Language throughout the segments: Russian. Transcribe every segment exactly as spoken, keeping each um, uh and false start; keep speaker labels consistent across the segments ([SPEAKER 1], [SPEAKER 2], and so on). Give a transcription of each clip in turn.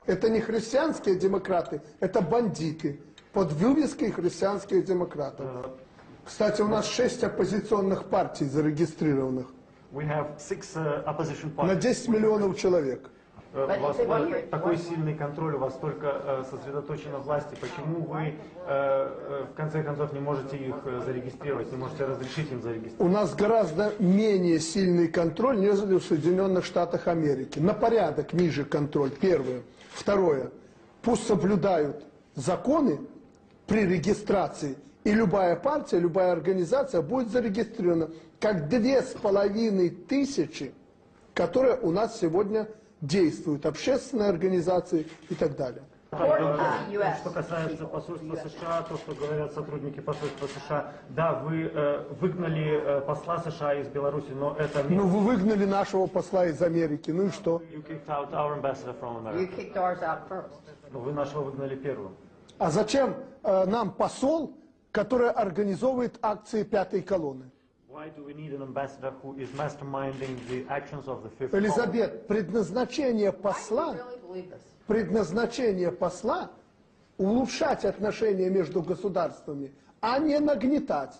[SPEAKER 1] Это не христианские демократы, это бандиты. Под вывеской христианских демократов. Кстати, у нас шесть оппозиционных партий зарегистрированных.
[SPEAKER 2] We have six, uh, opposition parties.
[SPEAKER 1] На десять миллионов человек.
[SPEAKER 2] У вас такой сильный контроль, у вас столько uh, сосредоточено власти. Почему вы uh, в конце концов не можете их зарегистрировать, не можете разрешить им зарегистрировать?
[SPEAKER 1] У нас гораздо менее сильный контроль, нежели в Соединенных Штатах Америки. На порядок ниже контроль, первое. Второе. Пусть соблюдают законы при регистрации, и любая партия, любая организация будет зарегистрирована, как две с половиной тысячи, которые у нас сегодня действуют, общественные организации и так далее.
[SPEAKER 2] Что касается посольства США, то, что говорят сотрудники посольства США, да, вы э, выгнали э, посла США из Беларуси, но это не...
[SPEAKER 1] Ну, вы выгнали нашего посла из Америки, ну и что?
[SPEAKER 2] You kicked out our ambassador from America.
[SPEAKER 3] You kicked ours out first.
[SPEAKER 2] Но вы нашего выгнали первым.
[SPEAKER 1] А зачем э, нам посол, который организовывает акции пятой колонны? Элизабет, предназначение посла, предназначение посла улучшать отношения между государствами, а не нагнетать.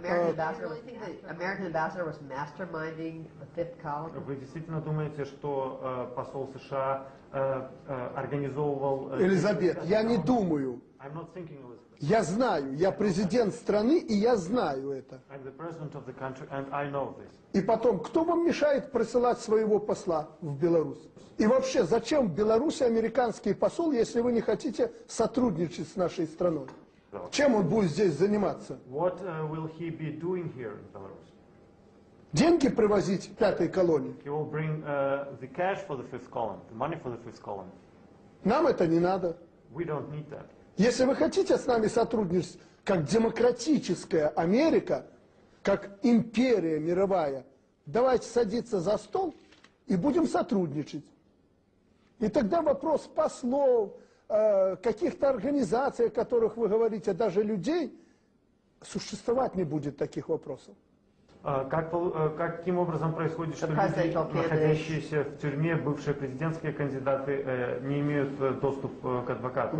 [SPEAKER 2] Вы действительно думаете, что э, посол США э, э, организовывал... Э,
[SPEAKER 1] Элизабет, я не думаю.
[SPEAKER 2] I'm not thinking, Elizabeth.
[SPEAKER 1] Я знаю, я президент страны, и я знаю это.
[SPEAKER 2] I'm the president of the country, and I know this.
[SPEAKER 1] И потом, кто вам мешает присылать своего посла в Беларусь? И вообще, зачем в Беларуси американский посол, если вы не хотите сотрудничать с нашей страной? Чем он будет здесь заниматься?
[SPEAKER 2] What uh, will he be doing here in Belarus?
[SPEAKER 1] Деньги привозить в пятой колонии?
[SPEAKER 2] He will bring uh, the cash for the fifth column, the money for the fifth column.
[SPEAKER 1] Нам это не надо.
[SPEAKER 2] We don't need that.
[SPEAKER 1] Если вы хотите с нами сотрудничать, как демократическая Америка, как империя мировая, давайте садиться за стол и будем сотрудничать. И тогда вопрос послов, э, каких-то организаций, о которых вы говорите, даже людей, существовать не будет таких вопросов.
[SPEAKER 2] Как, каким образом происходит, что люди, находящиеся в тюрьме, бывшие президентские кандидаты, не имеют доступ к адвокату?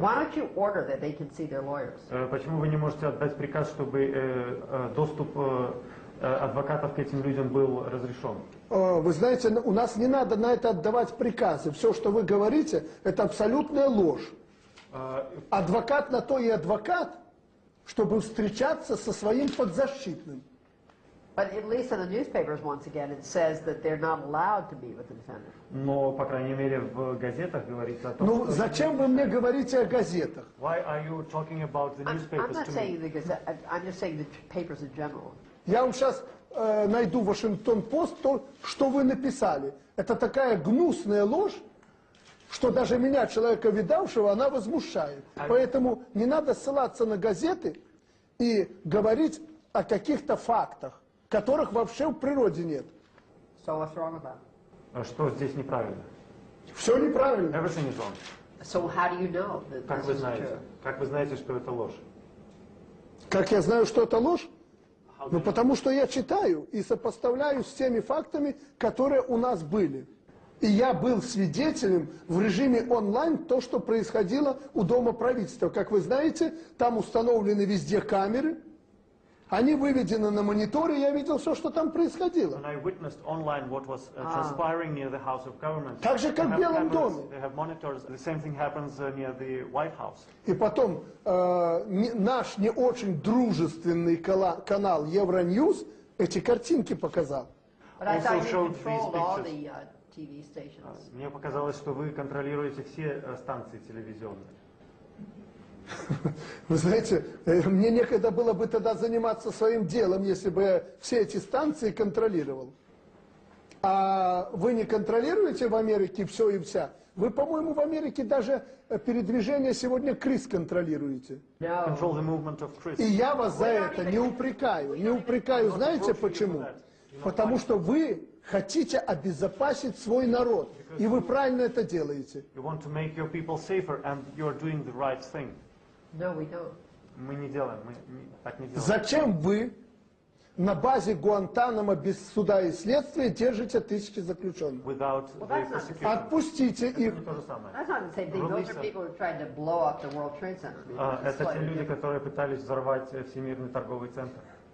[SPEAKER 2] Почему вы не можете отдать приказ, чтобы доступ адвокатов к этим людям был разрешен?
[SPEAKER 1] Вы знаете, у нас не надо на это отдавать приказы. Все, что вы говорите, это абсолютная ложь. Адвокат на то и адвокат, чтобы встречаться со своим подзащитным.
[SPEAKER 2] Но, по крайней мере, в газетах говорится о том,
[SPEAKER 1] ну,
[SPEAKER 2] что...
[SPEAKER 1] зачем вы мне говорите о газетах?
[SPEAKER 2] Why are you talking about the newspapers to me?
[SPEAKER 1] Я вам сейчас э, найду Вашингтон-Пост, то, что вы написали. Это такая гнусная ложь, что даже меня, человека видавшего, она возмущает. Поэтому не надо ссылаться на газеты и говорить о каких-то фактах, которых вообще в природе нет.
[SPEAKER 3] So what's wrong with that?
[SPEAKER 2] А что здесь неправильно?
[SPEAKER 1] Все неправильно.
[SPEAKER 2] Everything is wrong.
[SPEAKER 3] So how do you know that
[SPEAKER 2] Как
[SPEAKER 3] this
[SPEAKER 2] вы
[SPEAKER 3] is
[SPEAKER 2] знаете?
[SPEAKER 3] true?
[SPEAKER 2] Как вы знаете, что это ложь?
[SPEAKER 1] Как я знаю, что это ложь? Ну, потому что я читаю и сопоставляю с теми фактами, которые у нас были. И я был свидетелем в режиме онлайн то, что происходило у Дома правительства. Как вы знаете, там установлены везде камеры. Они выведены на мониторе, я видел все, что там происходило. Так же, как в Белом доме. И потом, э, не, наш не очень дружественный кала, канал Евроньюз эти картинки показал.
[SPEAKER 2] Мне показалось, что вы контролируете все станции телевизионные.
[SPEAKER 1] Вы знаете, мне некогда было бы тогда заниматься своим делом, если бы я все эти станции контролировал. А вы не контролируете в Америке все и вся? Вы, по-моему, в Америке даже передвижение сегодня крыс контролируете. И я вас за это не упрекаю. Не упрекаю, знаете почему? Потому что вы хотите обезопасить свой народ. И вы правильно это делаете.
[SPEAKER 3] No, we don't.
[SPEAKER 2] Мы не делаем, мы не, так не делаем.
[SPEAKER 1] Зачем вы на базе Гуантанамо без суда и следствия держите тысячи заключенных.
[SPEAKER 2] without the
[SPEAKER 3] that's not the
[SPEAKER 2] persecution.
[SPEAKER 1] Отпустите их.
[SPEAKER 2] Это не то же самое.
[SPEAKER 3] That's not the same thing. Those are people who tried to blow up the World Trade Center.
[SPEAKER 2] А,
[SPEAKER 3] It's
[SPEAKER 2] Это те
[SPEAKER 3] slightly
[SPEAKER 2] люди,
[SPEAKER 3] different.
[SPEAKER 2] которые пытались взорвать э, Всемирный торговый центр.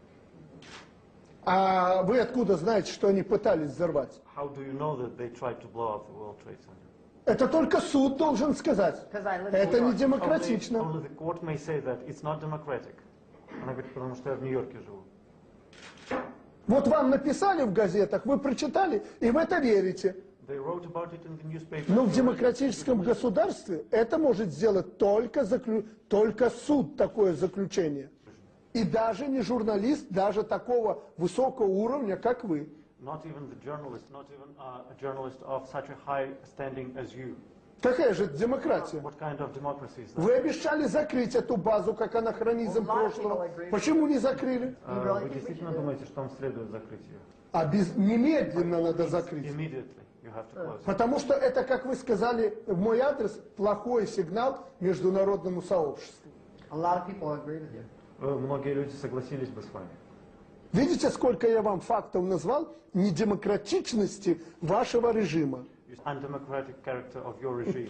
[SPEAKER 1] А вы откуда знаете, что они пытались взорвать?
[SPEAKER 2] How do you know that they tried to blow up the World Trade Center?
[SPEAKER 1] Это только суд должен сказать.
[SPEAKER 3] 'Cause I live in
[SPEAKER 1] Это
[SPEAKER 3] New
[SPEAKER 1] не
[SPEAKER 3] York.
[SPEAKER 1] демократично.
[SPEAKER 2] Only, only the court may say that it's not democratic. Она говорит, потому что я в Нью-Йорке живу.
[SPEAKER 1] Вот вам написали в газетах, вы прочитали, и в это верите.
[SPEAKER 2] They wrote about it in the newspaper.
[SPEAKER 1] Но в демократическом государстве это может сделать только, заклю... только суд, такое заключение. И даже не журналист, даже такого высокого уровня, как вы.
[SPEAKER 2] Not even the journalist, not even uh, a journalist of such a high standing as you.
[SPEAKER 1] Какая же это демократия?
[SPEAKER 2] What kind of democracy is that?
[SPEAKER 1] Вы обещали закрыть эту базу как анахронизм прошлого. Почему не закрыли?
[SPEAKER 2] Uh, Вы действительно думаете, что вам следует закрыть ее?
[SPEAKER 1] А без... немедленно надо закрыть.
[SPEAKER 2] Immediately you have to close it.
[SPEAKER 1] Потому что это, как вы сказали в мой адрес, плохой сигнал международному сообществу.
[SPEAKER 3] A lot of people agree with you.
[SPEAKER 2] Э, Многие люди согласились бы с вами.
[SPEAKER 1] Видите, сколько я вам фактов назвал недемократичности вашего режима?
[SPEAKER 2] Undemocratic character of your regime.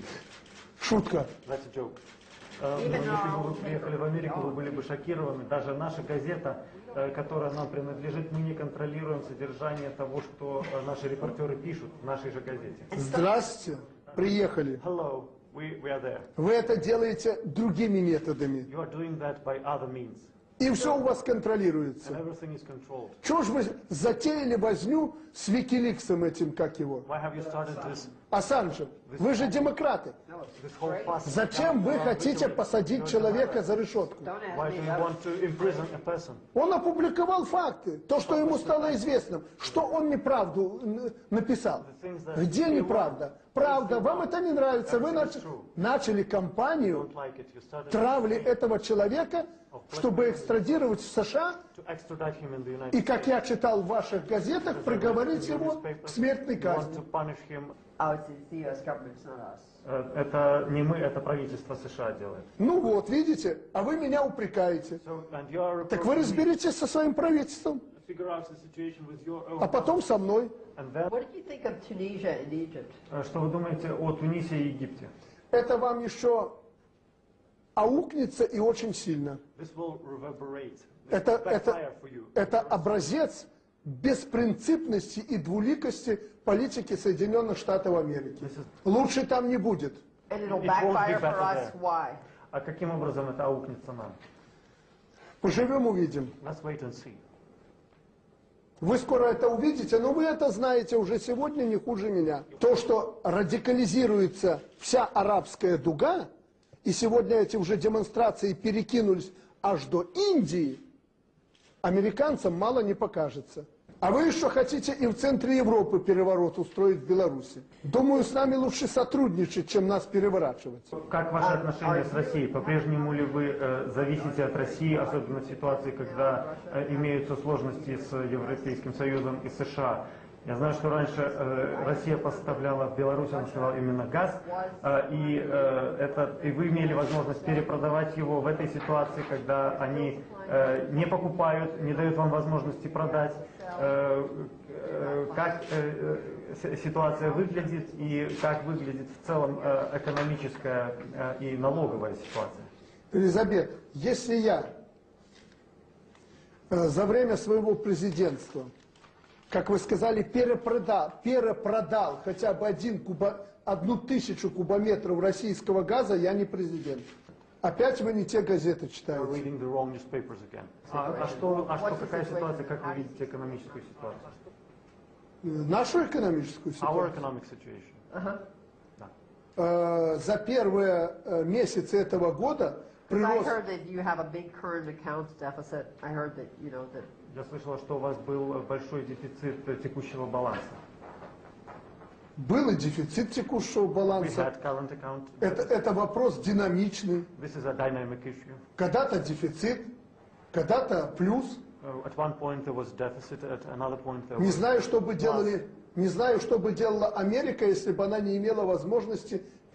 [SPEAKER 1] Шутка.
[SPEAKER 2] That's a joke. Э, но если бы вы приехали в Америку, вы были бы шокированы. Даже наша газета, э, которая нам принадлежит, мы не контролируем содержание того, что э, наши репортеры пишут в нашей же газете.
[SPEAKER 1] Здравствуйте, приехали.
[SPEAKER 2] Hello, we, we are there.
[SPEAKER 1] Вы это делаете другими методами.
[SPEAKER 2] You are doing that by other means.
[SPEAKER 1] И все у вас контролируется.
[SPEAKER 2] And everything is controlled.
[SPEAKER 1] Чего ж вы затеяли возню с Викиликсом этим, как его?
[SPEAKER 2] Why have you started this,
[SPEAKER 1] Ассанжем. Вы же демократы.
[SPEAKER 2] this whole fuss?
[SPEAKER 1] Зачем вы хотите посадить человека за решетку?
[SPEAKER 3] Don't ask
[SPEAKER 2] Why
[SPEAKER 3] me
[SPEAKER 2] do you
[SPEAKER 3] that.
[SPEAKER 2] want to imprison a person?
[SPEAKER 1] Он опубликовал факты, то, что ему стало известным, что он неправду н- написал. Где неправда? Правда, вам это не нравится. Вы нач- начали кампанию
[SPEAKER 2] Don't like it. You started
[SPEAKER 1] травли этого человека, чтобы экстрадировать в США,
[SPEAKER 2] to extradite him in the United
[SPEAKER 1] и,
[SPEAKER 2] States.
[SPEAKER 1] как я читал в ваших газетах, приговорить его к смертной
[SPEAKER 2] You want
[SPEAKER 1] казни.
[SPEAKER 2] to punish him.
[SPEAKER 3] Oh, it's it's the U S government, it's not us.
[SPEAKER 2] Э, Это не мы, это правительство США делает.
[SPEAKER 1] Ну вот, видите, а вы меня упрекаете.
[SPEAKER 2] So, and you are
[SPEAKER 1] Так вы
[SPEAKER 2] reproaching me.
[SPEAKER 1] разберитесь со своим правительством,
[SPEAKER 2] Figure out the situation with your
[SPEAKER 1] а
[SPEAKER 2] own.
[SPEAKER 1] потом со мной.
[SPEAKER 2] And then,
[SPEAKER 3] What did you think of Tunisia and Egypt?
[SPEAKER 2] э, что вы думаете о Тунисе и Египте?
[SPEAKER 1] Это вам еще аукнется и очень сильно.
[SPEAKER 2] This will reverberate. This
[SPEAKER 1] Это,
[SPEAKER 2] will
[SPEAKER 1] это,
[SPEAKER 2] backfire for you.
[SPEAKER 1] это образец беспринципности и двуликости политики Соединенных Штатов Америки. Лучше там не будет.
[SPEAKER 3] And it'll
[SPEAKER 2] It won't be
[SPEAKER 3] backfire for
[SPEAKER 2] better
[SPEAKER 3] us.
[SPEAKER 2] there.
[SPEAKER 3] Why?
[SPEAKER 2] А каким образом это аукнется нам?
[SPEAKER 1] Поживем, увидим.
[SPEAKER 2] Let's wait and see.
[SPEAKER 1] Вы скоро это увидите, но вы это знаете уже сегодня не хуже меня. То, что радикализируется вся арабская дуга, и сегодня эти уже демонстрации перекинулись аж до Индии, американцам мало не покажется. А вы еще хотите и в центре Европы переворот устроить в Беларуси. Думаю, с нами лучше сотрудничать, чем нас переворачивать.
[SPEAKER 2] Как ваши отношения с Россией? По-прежнему ли вы э, зависите от России, особенно в ситуации, когда э, имеются сложности с Европейским Союзом и США? Я знаю, что раньше э, Россия поставляла в Беларусь, она сказала, именно газ, э, и, э, это, и вы имели возможность перепродавать его в этой ситуации, когда они э, не покупают, не дают вам возможности продать. Э, э, как э, э, ситуация выглядит и как выглядит в целом э, экономическая э, и налоговая ситуация?
[SPEAKER 1] Елизавета, если я э, за время своего президентства, как вы сказали, перепродал, перепродал хотя бы один куба, одну тысячу кубометров российского газа, я не президент. Опять вы не те газеты
[SPEAKER 2] You're
[SPEAKER 1] читаете.
[SPEAKER 2] reading the wrong newspapers again. А, а что, а что, какая ситуация, как вы видите экономическую ситуацию?
[SPEAKER 1] Нашу экономическую
[SPEAKER 2] Our
[SPEAKER 1] ситуацию.
[SPEAKER 2] economic situation.
[SPEAKER 3] Uh-huh.
[SPEAKER 2] Да.
[SPEAKER 1] Э, за первые э, месяцы этого года
[SPEAKER 3] 'Cause I
[SPEAKER 1] прирост...
[SPEAKER 3] heard that you have a big current accounts deficit. I heard that, you know, that
[SPEAKER 2] Я слышала, что у вас был большой дефицит э, текущего баланса.
[SPEAKER 1] Был и дефицит текущего
[SPEAKER 2] We
[SPEAKER 1] баланса.
[SPEAKER 2] had current account.
[SPEAKER 1] Это, это вопрос динамичный.
[SPEAKER 2] This is a dynamic issue.
[SPEAKER 1] Когда-то дефицит, когда-то плюс.
[SPEAKER 2] Uh, at one point there was deficit, at another point there
[SPEAKER 1] Не
[SPEAKER 2] was...
[SPEAKER 1] знаю, что бы делали, не знаю, что бы делала Америка, если бы она не имела возможности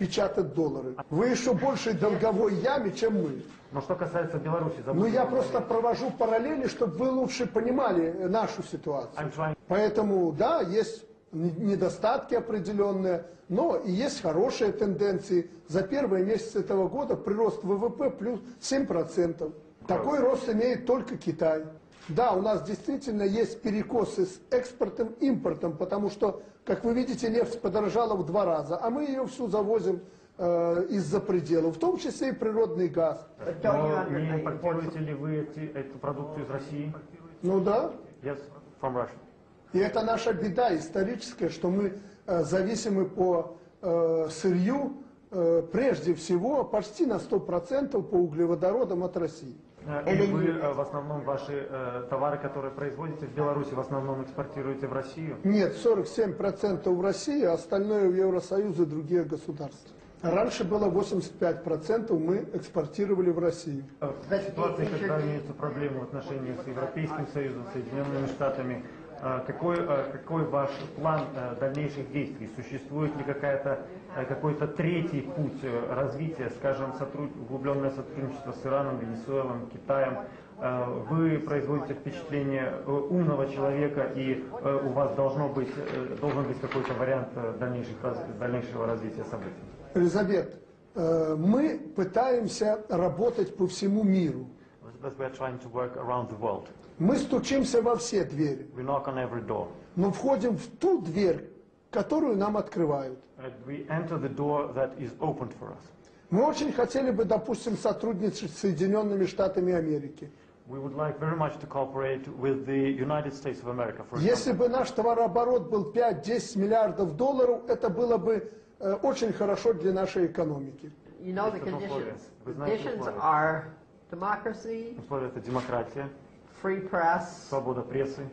[SPEAKER 1] печатать доллары. Вы еще большей долговой яме, чем мы.
[SPEAKER 2] Но что касается Беларуси,
[SPEAKER 1] Ну, я просто провожу параллели, чтобы вы лучше понимали нашу ситуацию.
[SPEAKER 2] I'm trying...
[SPEAKER 1] Поэтому, да, есть недостатки определенные, но и есть хорошие тенденции. За первый месяц этого года прирост ВВП плюс семь процентов. Такой рост имеет только Китай. Да, у нас действительно есть перекосы с экспортом, импортом, потому что, как вы видите, нефть подорожала в два раза, а мы ее всю завозим э, из-за пределов, в том числе и природный газ.
[SPEAKER 3] But don't you
[SPEAKER 2] Но
[SPEAKER 3] under-
[SPEAKER 2] не импортируете ли вы эти, эту продукцию из России?
[SPEAKER 1] Ну да,
[SPEAKER 2] Yes, from Russia.
[SPEAKER 1] и это наша беда историческая, что мы э, зависимы по э, сырью, э, прежде всего, почти на сто процентов по углеводородам от России.
[SPEAKER 2] Э, И вы э, в основном ваши э, товары, которые производите в Беларуси, в основном экспортируете в Россию?
[SPEAKER 1] Нет, сорок семь процентов в России, а остальное в Евросоюз и другие государства. Раньше было восемьдесят пять процентов мы экспортировали в Россию.
[SPEAKER 2] В ситуации, когда имеются проблемы в отношениях с Европейским Союзом, Соединенными Штатами, э, какой, э, какой ваш план э, дальнейших действий? Существует ли какая-то, э, какой-то третий путь э, развития, скажем, сотруд... углубленное сотрудничество с Ираном, Венесуэлой, Китаем? Э, Вы производите впечатление э, умного человека, и э, у вас должно быть, э, должен быть какой-то вариант э, дальнейших, раз- дальнейшего развития событий.
[SPEAKER 1] Елизавет, э, мы пытаемся работать по всему миру.
[SPEAKER 2] But we are trying to work around the world.
[SPEAKER 1] Мы стучимся во все двери,
[SPEAKER 2] We knock on every door.
[SPEAKER 1] но входим в ту дверь, которую нам открывают.
[SPEAKER 2] And we enter the door that is opened for us.
[SPEAKER 1] Мы очень хотели бы, допустим, сотрудничать с Соединенными Штатами Америки.
[SPEAKER 2] We would like very much to cooperate with the United States of America, for
[SPEAKER 1] Если
[SPEAKER 2] example.
[SPEAKER 1] бы наш товарооборот был пять-десять миллиардов долларов, это было бы э, очень хорошо для нашей экономики.
[SPEAKER 3] You know the
[SPEAKER 2] It's an условие.
[SPEAKER 3] conditions.
[SPEAKER 2] Вы знаете
[SPEAKER 3] Conditions
[SPEAKER 2] условия.
[SPEAKER 3] are democracy,
[SPEAKER 2] Условия — это демократия,
[SPEAKER 3] free press,
[SPEAKER 2] свобода прессы,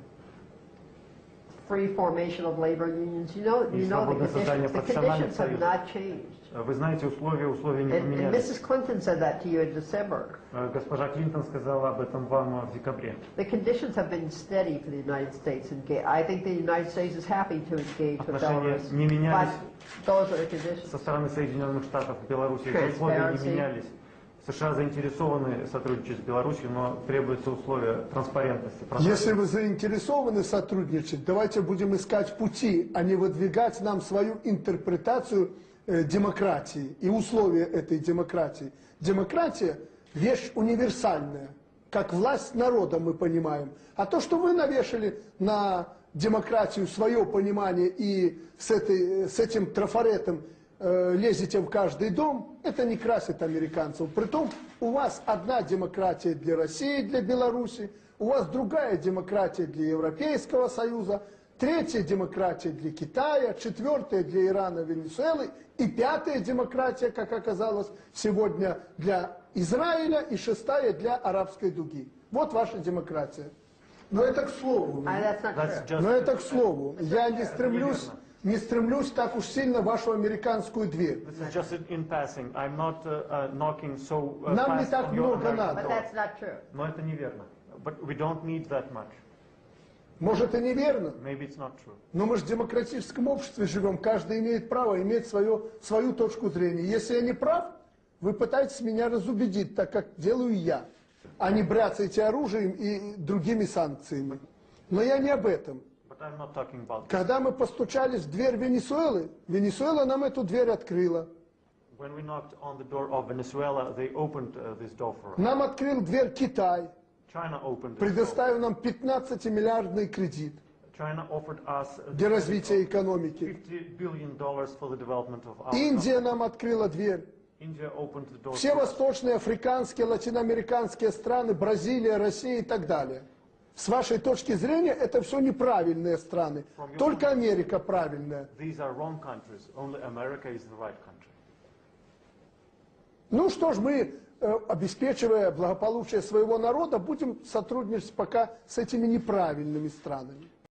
[SPEAKER 3] free formation of labor unions. You know,
[SPEAKER 2] И
[SPEAKER 3] you know the
[SPEAKER 2] свободное создание
[SPEAKER 3] conditions. The
[SPEAKER 2] профессиональных
[SPEAKER 3] conditions have
[SPEAKER 2] союзов.
[SPEAKER 3] not changed.
[SPEAKER 2] Вы знаете, условия, условия не
[SPEAKER 3] And, and
[SPEAKER 2] поменялись.
[SPEAKER 3] Missus Clinton said that to you in December.
[SPEAKER 2] Э, Госпожа Клинтон сказала об этом вам в декабре.
[SPEAKER 3] The conditions have been steady for the United States. And I think the United States is happy to engage with
[SPEAKER 2] Отношения
[SPEAKER 3] Belarus.
[SPEAKER 2] не менялись.
[SPEAKER 3] But those are the conditions.
[SPEAKER 2] Со стороны Соединенных Штатов в Беларуси эти условия не
[SPEAKER 3] Transparency.
[SPEAKER 2] менялись. США заинтересованы сотрудничать с Беларусью, но требуются условия транспарентности.
[SPEAKER 1] Если вы заинтересованы сотрудничать, давайте будем искать пути, а не выдвигать нам свою интерпретацию э, демократии и условия этой демократии. Демократия – вещь универсальная, как власть народа мы понимаем. А то, что вы навешали на демократию свое понимание и с, этой, с этим трафаретом э, лезете в каждый дом, это не красит американцев. Притом у вас одна демократия для России, для Беларуси, у вас другая демократия для Европейского Союза, третья демократия для Китая, четвертая для Ирана, Венесуэлы и пятая демократия, как оказалось сегодня, для Израиля и шестая для арабской дуги. Вот ваша демократия. Но это к слову.
[SPEAKER 3] Uh, that's not
[SPEAKER 2] That's
[SPEAKER 3] true.
[SPEAKER 2] just-
[SPEAKER 1] Но это к слову. Я не стремлюсь,
[SPEAKER 2] неверно.
[SPEAKER 1] не стремлюсь так уж сильно в вашу американскую дверь.
[SPEAKER 2] This is just in, in passing. I'm not uh, uh, knocking so uh,
[SPEAKER 1] Нам не
[SPEAKER 2] fast
[SPEAKER 1] так
[SPEAKER 2] on your
[SPEAKER 1] много
[SPEAKER 2] American
[SPEAKER 1] надо.
[SPEAKER 3] But
[SPEAKER 2] door.
[SPEAKER 3] that's not true.
[SPEAKER 2] Но это неверно. But we don't need that much.
[SPEAKER 1] Может и неверно,
[SPEAKER 2] Maybe it's not true.
[SPEAKER 1] но мы же в демократическом обществе живем. Каждый имеет право иметь свое, свою точку зрения. Если я не прав, вы пытаетесь меня разубедить, так как делаю я, а не бряцаете оружием и другими санкциями. Но я не об этом.
[SPEAKER 2] But I'm not talking about this.
[SPEAKER 1] Когда мы постучались в дверь Венесуэлы, Венесуэла нам эту дверь открыла.
[SPEAKER 2] When we knocked on the door of Venezuela, they opened uh, this door for us.
[SPEAKER 1] Нам открыл дверь Китай,
[SPEAKER 2] China opened this door.
[SPEAKER 1] предоставив нам пятнадцатимиллиардный кредит
[SPEAKER 2] China offered us uh,
[SPEAKER 1] для развития экономики.
[SPEAKER 2] fifty billion dollars for the development of our
[SPEAKER 1] Индия нам открыла дверь.
[SPEAKER 2] India opened the door.
[SPEAKER 1] Все
[SPEAKER 2] to us.
[SPEAKER 1] восточные, африканские, латиноамериканские страны, Бразилия, Россия и так далее. С вашей точки зрения, это все неправильные страны. Только Америка правильная.
[SPEAKER 2] These are wrong countries. Only America is the right country.
[SPEAKER 1] Ну что ж, мы, э, обеспечивая благополучие своего народа, будем сотрудничать пока с этими неправильными странами.